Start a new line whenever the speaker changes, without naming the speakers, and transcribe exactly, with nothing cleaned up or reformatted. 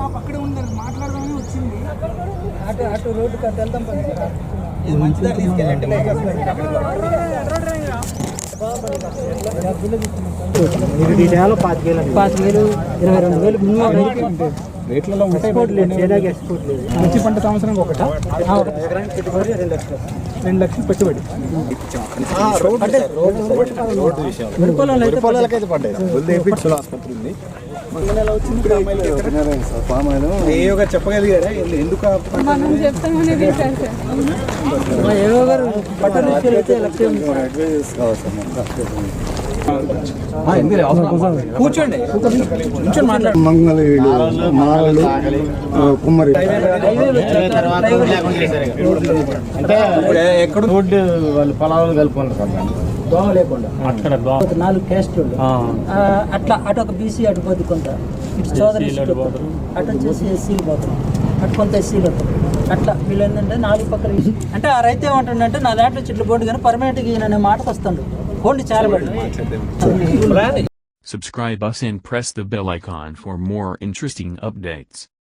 అక్కడే ఉన్నారు మాట్లాడదామని వచ్చింది.
అటు అటు రోడ్డు కట్టు వెళ్తాం పాతిక వేలు ఇరవై రెండు వేలు మినిమం
రేట్లలో
ఎక్స్పోర్ట్ లేదు, చైనాకి ఎక్స్పోర్ట్ లేదు.
మిర్చి పంట సంవత్సరం ఒకట
ఎకరానికి పెట్టుబడి రెండు లక్షలు
రెండు లక్షలు పెట్టుబడి.
పొలాలకైతే పడ్డాయి. చెప్పగలిగారా ఎందుకు ఏవో గారు పట్టణ కూర్చోండి
మంగళవీడు మారలు కుమ్మరి
అంటే ఎక్కడ రోడ్డు వాళ్ళు పొలాలు కలుపుకుంటారు కదా దోమ లేకుండా అక్కడ నాలుగు క్యాస్ట్ అట్లా అటు ఒక బీసీ అటు పోతే కొంత ఇటు చోదరి అటు వచ్చేసి ఎస్సీలు పోతాం అటు కొంత ఎస్సీలు వస్తాం అట్లా వీళ్ళు ఏంటంటే నాలుగు పక్కన అంటే ఆ రైతు ఏమంటుండంటే నా దాంట్లో చెట్లు బోర్డు కానీ పర్మనెంట్గా ఈయన అనే మాటకు వస్తాడు బోర్డు చాలా పడి.
Subscribe us and press the bell icon for more interesting updates.